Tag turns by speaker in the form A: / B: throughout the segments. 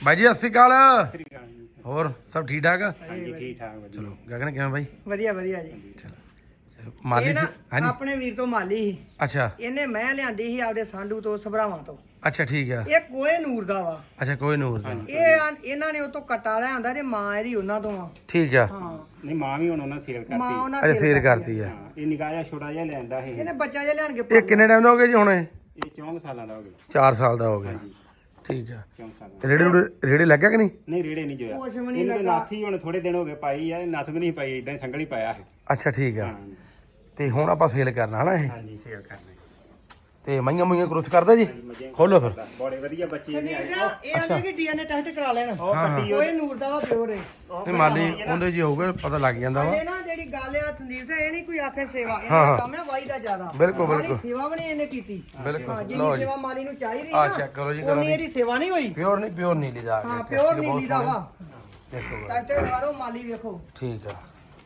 A: ਬਾਈ ਜੀ ਸਤਿ ਸ਼੍ਰੀ ਅਕਾਲ।
B: ਸ੍ਰੀ ਅਕਾਲ ਜੀ।
A: ਹੋਰ ਸਭ ਠੀਕ ਠਾਕ?
B: ਹਾਂਜੀ ਠੀਕ ਠਾਕ ਵਧੀਆ।
A: ਚਲੋ ਗਗਨ ਕਿਵੇਂ ਬਾਈ?
C: ਵਧੀਆ ਵਧੀਆ ਜੀ।
A: ਚਲੋ ਮਾਲੀ
C: ਇਹ
A: ਸੀ
C: ਨਾ
A: ਹਾਂਜੀ।
C: ਆਪਣੇ ਵੀਰ ਤੋਂ ਮਾਲੀ ਸੀ।
A: ਅੱਛਾ
C: ਇਹਨੇ ਮੈਂ ਲਿਆਂਦੀ ਸੀ ਆਪਦੇ ਸਾਂਢੂ ਤੋਂ ਸਭਰਾਵਾਂ ਤੋਂ।
A: ਅੱਛਾ ਠੀਕ ਆ।
C: ਇਹ ਕੋਏ ਨੂਰ ਦਾ ਵਾ।
A: ਅੱਛਾ ਕੋਈ ਨੂਰ ਦਾ
C: ਇਹਨਾਂ ਨੇ ਉਹ ਤੋਂ ਕਟਾ ਲਿਆ ਹੁੰਦਾ ਜੇ ਮਾਂ ਇਹਦੀ ਉਹਨਾਂ ਤੋਂ ਆ।
A: ਠੀਕ ਆ।
C: ਹਾਂ
B: ਨਹੀਂ ਮਾਂ ਵੀ ਹੁਣ ਉਹਨਾਂ ਸੇਲ
C: ਮਾਂ
B: ਕਰਤੀ।
C: ਉਹਨਾਂ
A: ਅੱਛਾ ਸੇਲ ਕਰਤੀ ਆ।
B: ਹਾਂ ਇਹ ਨਿੱਕਾ ਜਿਹਾ ਛੋਟਾ ਜਿਹਾ ਲੈਂਦਾ ਇਹ।
C: ਇਹਨੇ ਬੱਚਾ ਜਿਹਾ ਲਿਆਣ ਕੇ
A: ਇਹ ਕਿੰਨੇ ਟਾਈਮ ਦਾ ਹੋ ਗਿਆ ਜੀ ਹੁਣ? ਇਹ
B: ਇਹ 4 ਸਾਲਾਂ ਦਾ ਹੋ ਗਿਆ।
A: 4 ਸਾਲ ਦਾ ਹੋ ਗਿਆ।
B: ਹਾਂਜੀ
A: ਠੀਕ ਆ।
B: 4 ਸਾਲਾਂ
A: ਰੇੜੇ ਲੱਗਿਆ ਕਿ ਨਹੀਂ?
B: ਨਹੀਂ ਰੇੜੇ ਨਹੀਂ ਜੋਇਆ।
C: ਕੁਛ ਵੀ ਨਹੀਂ
B: ਇਹਨੇ
C: ਲੱਗਾ।
B: ਨਾਥੀ ਹੁਣ ਥੋੜੇ ਦਿਨ ਹੋ ਗਏ ਪਾਈ ਆ। ਨੱਥ ਵੀ ਨਹੀਂ ਪਾਈ ਇਦਾਂ ਸੰਗਲ ਹੀ ਪਾਇਆ ਹੈ।
A: ਅੱਛਾ ਠੀਕ ਆ।
B: ਹਾਂ
A: ਤੇ ਹੁਣ ਆਪਾਂ ਸੇਲ ਕਰਨਾ ਹਨਾ ਇਹ?
B: ਹਾਂਜੀ ਸੇਲ ਕਰਨਾ।
A: ਤੇ ਮਈਆਂ ਮੁਈਆਂ ਕਰੋਸ ਕਰਦਾ ਜੀ? ਖੋਲੋ ਫਿਰ।
B: ਬੜੇ ਵਧੀਆ ਬੱਚੇ ਨੇ।
C: ਇਹ ਆਂਦੇ ਕਿ ਡੀਐਨਏ ਟੈਸਟ ਕਰਾ ਲੈਣ।
B: ਉਹ ਕੱਟੀ
C: ਕੋਏ ਨੂਰ ਦਾ ਵਾ ਪਿਓਰ ਹੈ।
A: ਤੇ ਮਾਲੀ ਉਹਦੇ ਜੀ ਹੋਊਗਾ ਪਤਾ ਲੱਗ ਜਾਂਦਾ ਵਾ।
C: ਇਹ ਨਾ ਜਿਹੜੀ ਗੱਲ ਆ ਸੰਦੀਪ ਸਿੰਘ, ਇਹ ਨਹੀਂ ਕੋਈ ਆਖੇ ਸੇਵਾ, ਇਹਦਾ ਕੰਮ ਹੈ ਵਾਈ ਦਾ ਜ਼ਿਆਦਾ।
A: ਬਿਲਕੁਲ,
C: ਮਾਲੀ
A: ਬਿਲਕੁਲ।
C: ਸੇਵਾ ਵੀ ਨਹੀਂ ਇਹਨੇ ਕੀਤੀ।
A: ਬਿਲਕੁਲ
C: ਹਾਂ,
A: ਲਓ
C: ਜਿੰਨੀ
A: ਜੀ।
C: ਸੇਵਾ ਮਾਲੀ ਨੂੰ ਚਾਹੀਦੀ
A: ਆ
C: ਨਾ
A: ਚੈੱਕ ਕਰੋ ਜੀ, ਕਰੋ
C: ਉਨੀ
A: ਜੀ।
C: ਇਹਦੀ ਸੇਵਾ ਨਹੀਂ ਹੋਈ।
A: ਪਿਓਰ ਨੀਲੀ ਦਾ
C: ਹਾਂ ਪਿਓਰ ਨੀਲੀ ਦਾ ਵਾ।
A: ਦੇਖੋ
C: ਟੈਸਟ ਕਰਾ ਦਿਓ ਮਾਲੀ ਵੇਖੋ।
A: ਠੀਕ ਆ।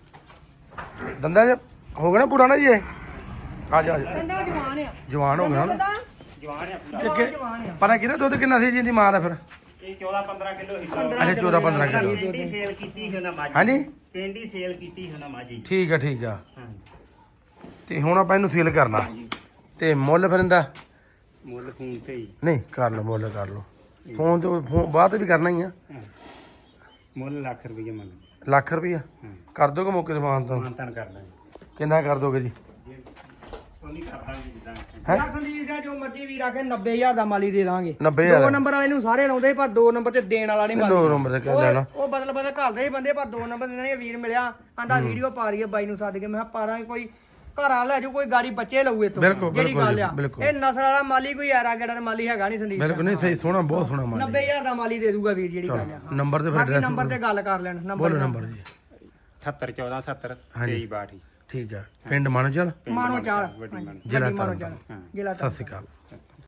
A: ਦੰਦਾਂ ਚ ਹੋ ਗਿਆ ਨਾ ਪੁਰਾਣਾ ਜੀ ਇਹ? ਆ ਜਾ ਆ ਜਾ।
C: ਕੰਦਾ ਜਵਾਨ ਆ।
A: ਜਵਾਨ ਹੋ ਗਿਆ ਨਾ?
C: ਕੰਦਾ
B: ਜਵਾਨ ਹੈ ਪੂਰਾ।
C: ਜਵਾਨ ਆ।
A: ਪਤਾ ਕਿਹਦਾ ਦੁੱਧ ਕਿੰਨਾ ਸੀ ਜੀ ਦੀ ਮਾਂ ਦਾ ਫਿਰ?
B: ਇਹ 14-15 ਕਿਲੋ ਹੀ।
A: ਅੱਛਾ 14-15 ਕਿਲੋ।
B: ਪਿੰਡੀ ਸੇਲ ਕੀਤੀ ਸੀ ਉਹਨਾਂ ਮਾਜੀ।
A: ਹਾਂਜੀ
B: ਪਿੰਡੀ ਸੇਲ ਕੀਤੀ ਸੀ ਉਹਨਾਂ ਮਾਜੀ।
A: ਠੀਕ ਆ ਠੀਕ ਆ।
B: ਹਾਂ
A: ਤੇ ਹੁਣ ਆਪਾਂ ਇਹਨੂੰ ਸੇਲ ਕਰਨਾ ਤੇ ਮੁੱਲ ਫਿਰ ਇਹਦਾ?
B: ਮੁੱਲ ਫੋਨ ਤੇ ਹੀ।
A: ਨਹੀਂ ਕਰ ਲਓ ਮੁੱਲ ਕਰ ਲਓ। ਫੋਨ ਤੇ ਫੋਨ ਬਾਅਦ ਵੀ ਕਰਨਾ ਹੀ ਆ।
B: ਹਾਂ। ਮੁੱਲ ਲੱਖ ਰੁਪਏ ਮੰਗ।
A: ਲੱਖ ਰੁਪਈਆ
B: ਹਾਂ
A: ਕਰ ਦੋਗੇ ਮੌਕੇ ਤੇ ਫੋਨ ਤੋਂ?
B: ਮਾਨਤਨ ਕਰ ਦਾਂਗੇ।
A: ਕਿੰਨਾ ਕਰ ਦੋਗੇ ਜੀ?
B: ਉਹ ਨਹੀਂ ਕਰ ਦਾਂਗੇ ਜਿੱਦਾਂ।
C: ਯਾਰ ਸੰਦੀਪ ਸਿੰਘ ਜੋ ਮਰਜੀ ਵੀਰ ਆਖੇ 90000 ਦਾ ਮਾਲੀ ਦੇ ਦਾਂਗੇ।
A: 90,000
C: ਦੋ ਨੰਬਰ ਵਾਲੇ ਨੂੰ ਸਾਰੇ ਲਾਉਂਦੇ ਪਰ ਦੋ ਨੰਬਰ ਤੇ ਦੇਣ ਵਾਲਾ ਨਹੀਂ
A: ਦੋ ਨੰਬਰ ਤੇ ਕਰ ਲੈਣਾ।
C: ਉਹ ਬਦਲ ਬਦਲ ਘੱਲਦੇ ਹੀ ਬੰਦੇ ਪਰ ਦੋ ਨੰਬਰ ਦੇ ਵੀਰ ਮਿਲਿਆ ਆਂਦਾ ਵੀਡੀਓ ਪਾ ਰਹੀ ਹੈ ਬਾਈ ਨੂੰ ਛੱਡ ਕੇ। ਮੈਂ ਕਿਹਾ ਪਾ ਦਾਂਗੇ, ਕੋਈ ਘਰ ਆ ਲੈ ਜਾਊ, ਕੋਈ ਗਾੜੀ ਬੱਚੇ ਲਊ ਇਹ ਤੋਂ।
A: ਬਿਲਕੁਲ,
C: ਜਿਹੜੀ
A: ਬਿਲਕੁਲ
C: ਗੱਲ
A: ਜੀ,
C: ਆ
A: ਬਿਲਕੁਲ।
C: ਇਹ ਨਸਲ ਵਾਲਾ ਮਾਲੀ ਕੋਈ ਯਾਰਾ ਗੇੜਾ ਤੇ ਮਾਲੀ ਹੈਗਾ ਨਹੀਂ ਸੰਦੀਪ
A: ਬਿਲਕੁਲ ਨਹੀਂ ਸਹੀ ਸੋਹਣਾ ਬਹੁਤ ਸੋਹਣਾ ਮਾਲ
C: 90000 ਦਾ ਮਾਲੀ ਦੇ ਦੂਗਾ ਵੀਰ, ਜਿਹੜੀ ਗੱਲ ਆ।
A: ਨੰਬਰ ਤੇ ਫਿਰ
C: ਬਾਕੀ
A: ਐਡਰੈਸ
C: ਨੰਬਰ ਤੇ ਗੱਲ ਕਰ ਲੈਣ।
A: ਬੋਲੋ ਨੰਬਰ ਜੀ।
B: 70 14 70
A: ਹਾਂਜੀ।
B: 23 62।
A: ਠੀਕ ਆ। ਪਿੰਡ ਮਾਨੋਚਲ
C: ਮਾਨੋ ਚਾਲ
B: ਵੱਡੀ ਮਾਨੋ।
A: ਜ਼ਿਲ੍ਹਾ
C: ਮਾਨੋ
A: ਤਰਨਤਾਰਨ।
C: ਚਾਲ ਜ਼ਿਲ੍ਹਾ
A: ਸਤਿ ਸ਼੍ਰੀ ਅਕਾਲ।